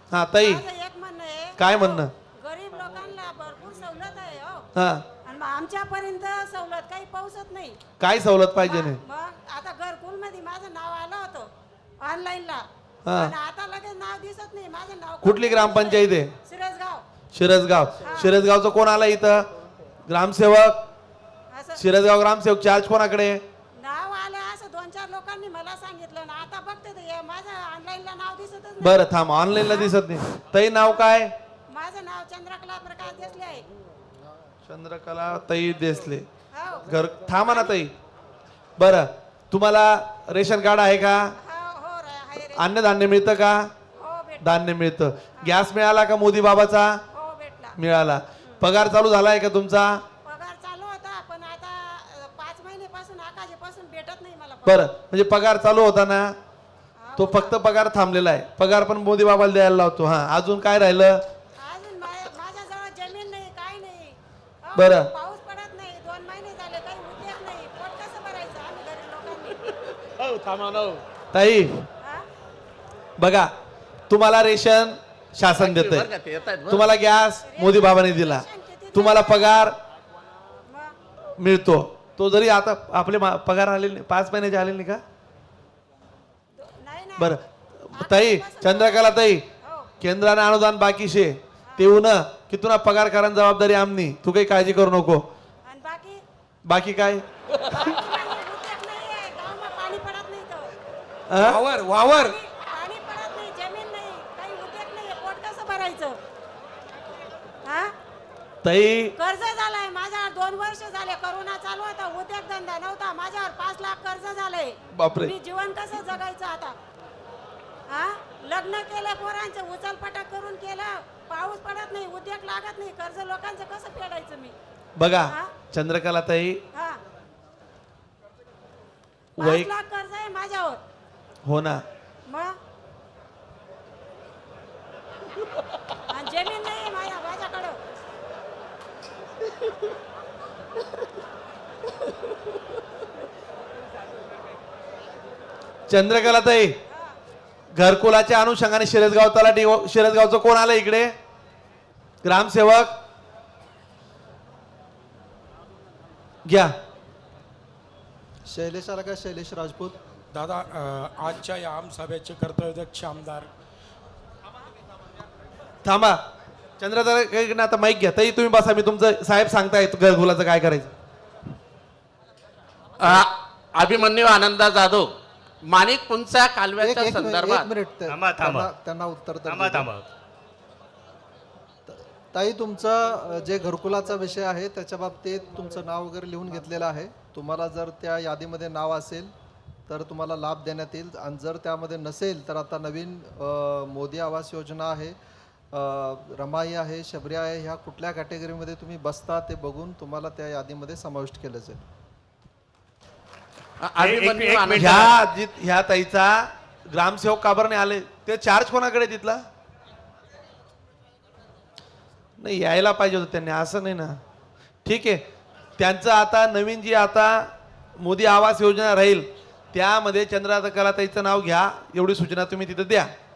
हा ताई माझं एक म्हणणं आहे, काय म्हणणं? गरीब लोकांना भरपूर सवलत आहे हो, हा आणि मग आमच्यापर्यंत सवलत काही पोहोचत नाही. काय सवलत पाहिजे नाही? मग आता घरकुल मध्ये माझं नाव आलं होतं ऑनलाईनला, हा. आणि आता लगेच नाव दिसत नाही. माझं नाव कुठली ग्रामपंचायत आहे? सिरसगाव. शिरसगाव. शिरसगावचं कोण आलं इथं? ग्रामसेवक. असं शिरसगाव ग्रामसेवक चार्ज कोणाकडे? नाव आलं असं 2-4 लोकांनी मला सांगितलं ना. आता बघते ते हे माझं ऑनलाईनला नाव दिसतच नाही. बरं थांब, ऑनलाईनला दिसत नाही. ताई नाव काय? माझं नाव चंद्रकला प्रकाश देसले आहे. चंद्रकला ताई देसले. हो घर थांबा ना ताई. बरं तुम्हाला रेशन कार्ड आहे का? हो हो आहे रे. अन्नधान्य मिळतं का? हो भेट धान्य मिळतं. गॅस मिळाला का मोदी बाबाचा? हो भेटला. मिळाला. पगार चालू झालाय का तुमचा? पगार चालू होता, पण आता 5 महिन्यापासून आकाशीपासून भेटत नाही मला पगार. बरं म्हणजे पगार चालू होता ना, तो फक्त पगार थांबलेला आहे. पगार पण मोदी बाबाला द्यायला लावतो. हा अजून काय राहिलं? अजून माझ्याजवळ जमीन नाही, काय नाही. हो, बरं. पाऊस पडत नाही, 2 महिने झाले, काही उद्योग नाही. पोट कसं भरायचं आम्ही गरीब लोकांनी? ताई हा? बघा, तुम्हाला रेशन शासन देतंय, तुम्हाला गॅस मोदी बाबाने दिला, तुम्हाला पगार मग मिळतो. तो जरी आता आपले पगार आलेले नाही, 5 महिन्याचे आलेले नाही का? नाही ना. बरं ताई, चंद्रकला ताई, हो. केंद्राने अनुदान बाकी शे ते येऊ न की तुला पगार करायची जबाबदारी आमनी. तू काही काळजी करू नको. आणि बाकी बाकी काय? उद्योग नाहीये, गावामध्ये पाणी पडत नाही तर. हा? वावर पाणी पडत नाही, जमीन नाही, काही उद्योग नाही. पोट कसं भरायचं? हा? ताई कर्ज झालंय माझ्यावर. 2 वर्ष झाले, करोना चालू होता, उद्योग धंदा नव्हता. माझ्यावर 5 लाख कर्ज झालंय. बापरे. मी जीवन कसं जगायचं आता? हा? लग्न केलं, पोरांचं उचलपटक करून केलं, पाऊस पडत नाही, उद्योग लागत नाही, कर्ज लोकांचं कसं फेडायचं मी? बघा हा? चंद्रकला ताई, हा, वै 5 लाख कर्ज आहे माझ्यावर. हो ना, मग आणि जमीन नाही माझ्याकडं. चंद्रकला ताई, घरकुलाच्या अनुषंगाने शिरसगाव तलाठी, शिरसगावचं कोण आलं इकडे? ग्रामसेवक घ्या. शैलेश आला का? शैलेश राजपूत. दादा आजच्या या आमसभेचे कर्तव्यदक्ष आमदार थांबा चंद्रकला, आता माईक घ्या. ताई तुम्ही बसा, मी तुमचं साहेब सांगताय घरकुलाचं काय करायचं. अभिमन्यू आनंदा जाधव, माणिक पुंचा कालव्याच्या एक संदर्भात मिनिट त्यांना उत्तर तर देऊ द्या. ताई, तुमचं जे घरकुलाचा विषय आहे त्याच्या बाबतीत तुमचं नाव वगैरे लिहून घेतलेलं आहे. तुम्हाला जर त्या यादीमध्ये नाव असेल तर तुम्हाला लाभ देण्यात येईल, आणि जर त्यामध्ये नसेल तर आता नवीन मोदी आवास योजना आहे, रमाई आहे, शबरी आहे, ह्या कुठल्या कॅटेगरीमध्ये तुम्ही बसता ते बघून तुम्हाला त्या यादीमध्ये समाविष्ट केलं जाईल. अभिमन्यू आनंदा ह्या ताईचा ग्रामसेवक का बरं नाही आले? ते चार्ज कोणाकडे तिथला? नाही यायला पाहिजे होतं त्यांनी, असं नाही ना. ठीक आहे, त्यांचं आता नवीन जी आता मोदी आवास योजना राहील त्यामध्ये चंद्रकला ताईचं नाव घ्या, एवढी सूचना तुम्ही तिथं द्या.